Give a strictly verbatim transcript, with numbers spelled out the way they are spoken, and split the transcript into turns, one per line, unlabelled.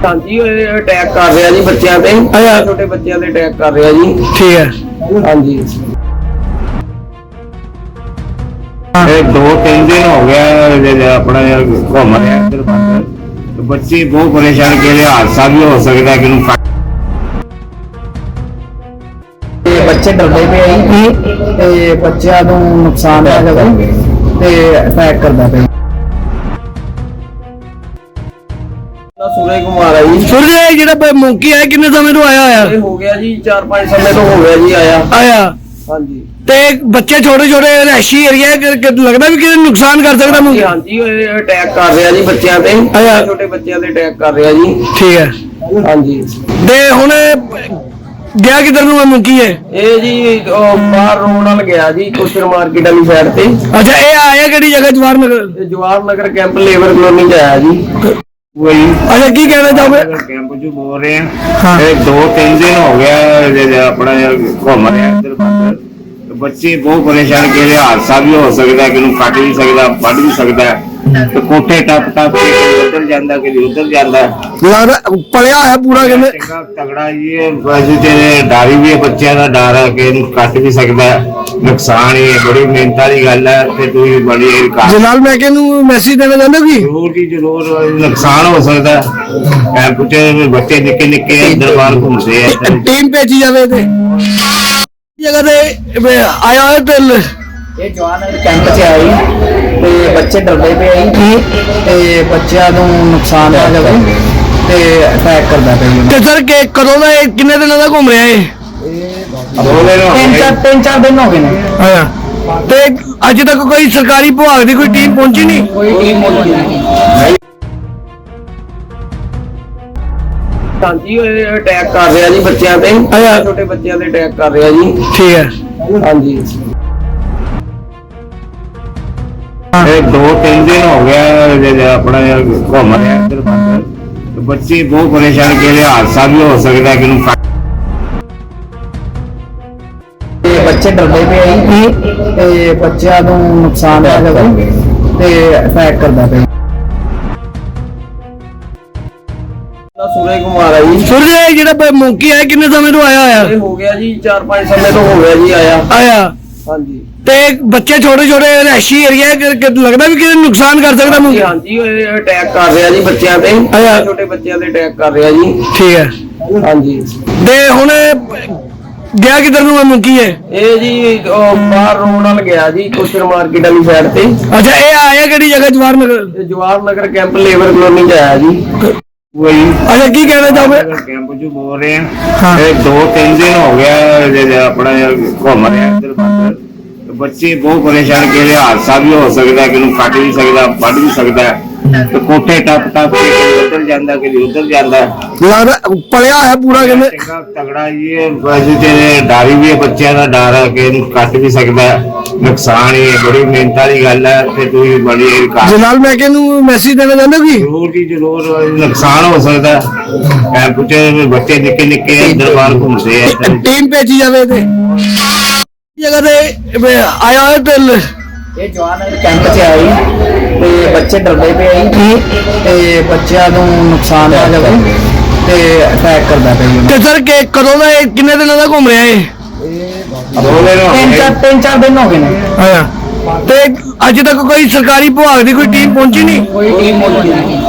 हाँ जी अटैक कर रहा जी बच्चों पे छोटे बच्चों पे अटैक कर रहा जी। ठीक है हाँ जी
दो तीन दिन हो गया अपना घूम रहा इधर पास बच्चे बहुत परेशान के लिए हादसा भी हो सकता है कि
बच्चे डरते पे आई बच्चों को नुकसान है अटैक करता पे। सूरज कुमार है जी।
सूरज ਜਿਹੜਾ ਮੌਂਕੀ ਹੈ ਕਿੰਨੇ ਸਮੇਂ ਤੋਂ ਆਇਆ ਹੋਇਆ?
ਹੋ ਗਿਆ ਜੀ चार पाँच ਸਮੇਂ ਤੋਂ ਹੋ ਗਿਆ ਜੀ ਆਇਆ
ਆਇਆ
हाँ जी।
ਤੇ ਬੱਚੇ ਛੋਟੇ ਛੋਟੇ ਰਹਿਸ਼ੀ ਏਰੀਆ ਲੱਗਦਾ ਵੀ ਕਿਤੇ ਨੁਕਸਾਨ ਕਰ ਸਕਦਾ ਮੌਂਕੀ?
हाँ जी ਅਟੈਕ ਕਰ ਰਿਹਾ ਜੀ ਬੱਚਿਆਂ ਤੇ ਛੋਟੇ ਬੱਚਿਆਂ ਤੇ ਅਟੈਕ ਕਰ ਰਿਹਾ ਜੀ।
ਠੀਕ ਹੈ
हाँ जी।
ਤੇ ਹੁਣ ਗਿਆ ਕਿਧਰ ਨੂੰ ਮੌਂਕੀ ਹੈ?
ਇਹ ਜੀ ਬਾਹਰ ਰੋਡ ਨਾਲ ਗਿਆ ਜੀ ਕੋਸ਼ਰ ਮਾਰਕੀਟ ਵਾਲੀ ਸਾਈਡ ਤੇ।
ਅੱਛਾ ਇਹ ਆਇਆ ਕਿਹੜੀ ਜਗ੍ਹਾ? Jawahar Nagar.
Jawahar Nagar camp labour colony ਚ ਆਇਆ ਜੀ।
वही
अच्छा की कहना चाहोगे?
कैंप जो बोल रहे हैं हाँ। दो तीन दिन हो गया अपना घूम रहे इधर पास बच्चे बहुत परेशान के लिए हादसा भी हो सकता है कि कट भी सकता पढ़ भी सकता है तो कोठे टप टप के उधर जाता कि उधर जाता
पढ़िया है पूरा
तगड़ा ये डर भी है बच्चों का डर है कि कट भी सकता है नुकसान ही बड़ी मेहनत वाली गल है ते तू बड़ी
जलाल महके नूं मैसेज देना चाहते हो कि
जरूर जी जरूर नुकसान हो सकता है कैंप च बच्चे निक्के निक्के अंदर बाहर घूमते हैं
टीम भेजी जावे ते जगह ते आया है ते
ਇਹ ਜਵਾਨ ਕੈਂਪ 'ਚ ਆਈ ਤੇ ਬੱਚੇ ਡਰਦੇ ਪਏ ਆਈ ਤੇ ਬੱਚਿਆਂ ਨੂੰ ਨੁਕਸਾਨ ਆ ਜਾਵੇ ਤੇ ਅਟੈਕ ਕਰਦਾ ਪਿਆ।
ਤੇ ਸਰ ਕਿ ਕਦੋਂ ਦਾ ਕਿੰਨੇ ਦਿਨਾਂ ਦਾ ਘੁੰਮ ਰਿਹਾ ਇਹ?
ਤਿੰਨ ਚਾਰ ਤਿੰਨ ਚਾਰ ਦਿਨ ਹੋ ਗਏ ਨੇ।
ਹਾਂ ਤੇ ਅੱਜ ਤੱਕ ਕੋਈ ਸਰਕਾਰੀ ਵਿਭਾਗ ਦੀ ਕੋਈ ਟੀਮ ਪਹੁੰਚੀ ਨਹੀਂ?
ਕੋਈ ਟੀਮ ਪਹੁੰਚੀ ਨਹੀਂ। हाँ जी ਅਟੈਕ ਕਰ ਰਿਹਾ ਜੀ ਬੱਚਿਆਂ ਤੇ ਛੋਟੇ ਬੱਚਿਆਂ ਤੇ ਅਟੈਕ ਕਰ ਰਿਹਾ ਜੀ।
ਠੀਕ ਹੈ
हाँ जी।
दो तीन दिन हो गया अपना घूम रहा इधर पास बच्चे बहुत परेशान के लिए हादसा भी हो सकता है कि
ਬੱਚੇ ਡਰਦੇ ਪਏ ਆਈ ਤੇ ਬੱਚਿਆਂ ਨੂੰ ਨੁਕਸਾਨ ਆ ਜਾਵੇ ਤੇ ਅਟੈਕ ਕਰਦਾ ਪਿਆ। सूरज कुमार है जी।
सूरज ਜਿਹੜਾ ਮੌਂਕੀ ਹੈ ਕਿੰਨੇ ਸਮੇਂ ਤੋਂ ਆਇਆ ਹੋਇਆ?
ਹੋ ਗਿਆ ਜੀ चार पाँच ਸਮੇਂ ਤੋਂ ਹੋ ਗਿਆ ਜੀ ਆਇਆ
ਆਇਆ
हाँ जी।
ਤੇ ਬੱਚੇ ਛੋਟੇ ਛੋਟੇ ਰਹਿਸ਼ੀ ਏਰੀਆ ਲੱਗਦਾ ਵੀ ਕਿਤੇ ਨੁਕਸਾਨ ਕਰ ਸਕਦਾ ਮੌਂਕੀ?
हाँ जी ਅਟੈਕ ਕਰ ਰਿਹਾ ਜੀ ਬੱਚਿਆਂ ਤੇ ਛੋਟੇ ਬੱਚਿਆਂ ਤੇ ਅਟੈਕ ਕਰ ਰਿਹਾ ਜੀ।
ਠੀਕ ਹੈ
हाँ जी।
ਤੇ ਹੁਣ ਗਿਆ ਕਿਧਰ ਨੂੰ ਮੌਂਕੀ ਹੈ?
ਇਹ ਜੀ ਬਾਹਰ ਰੋਡ ਨਾਲ ਗਿਆ ਜੀ ਕੋਸ਼ਰ ਮਾਰਕੀਟ ਵਾਲੀ ਸਾਈਡ ਤੇ।
ਅੱਛਾ ਇਹ ਆਇਆ ਕਿਹੜੀ ਜਗ੍ਹਾ? Jawahar Nagar.
Jawahar Nagar camp labour colony ਚ ਆਇਆ ਜੀ।
वही
अच्छा की कहना चाहोगे?
कैंप जो बोल रहे हैं हाँ। दो तीन दिन हो गया अपना घूम रहे इधर पास बच्चे बहुत परेशान के लिए हादसा भी हो सकता है कि कट भी सकता पढ़ भी सकता है तो कोठे टप टप के उधर जाता कि उधर जाता
पढ़िया है पूरा
तगड़ा ये डर भी है बच्चों का डर है कि कट भी सकता है नुकसान ही बड़ी मेहनत वाली गल है ते तू बड़ी
जलाल महके नूं मैसेज देना चाहते हो कि
जरूर जी जरूर नुकसान हो सकता है कैंप च बच्चे निक्के निक्के अंदर बाहर घूमते हैं
टीम भेजी जावे ते जगह ते आया है ते
ਇਹ ਜਵਾਨ ਕੈਂਪ 'ਚ ਆਈ ਤੇ ਬੱਚੇ ਡਰਦੇ ਪਏ ਆਈ ਤੇ ਬੱਚਿਆਂ ਨੂੰ ਨੁਕਸਾਨ ਆ ਜਾਵੇ ਤੇ ਅਟੈਕ ਕਰਦਾ ਪਿਆ।
ਤੇ ਸਰ ਕਿ ਕਦੋਂ ਦਾ ਕਿੰਨੇ ਦਿਨਾਂ ਦਾ ਘੁੰਮ ਰਿਹਾ ਇਹ?
ਤਿੰਨ ਚਾਰ ਤਿੰਨ ਚਾਰ ਦਿਨ ਹੋ ਗਏ ਨੇ।
ਹਾਂ ਤੇ ਅੱਜ ਤੱਕ ਕੋਈ ਸਰਕਾਰੀ ਵਿਭਾਗ ਦੀ ਕੋਈ ਟੀਮ ਪਹੁੰਚੀ ਨਹੀਂ?
ਕੋਈ ਟੀਮ ਪਹੁੰਚੀ ਨਹੀਂ।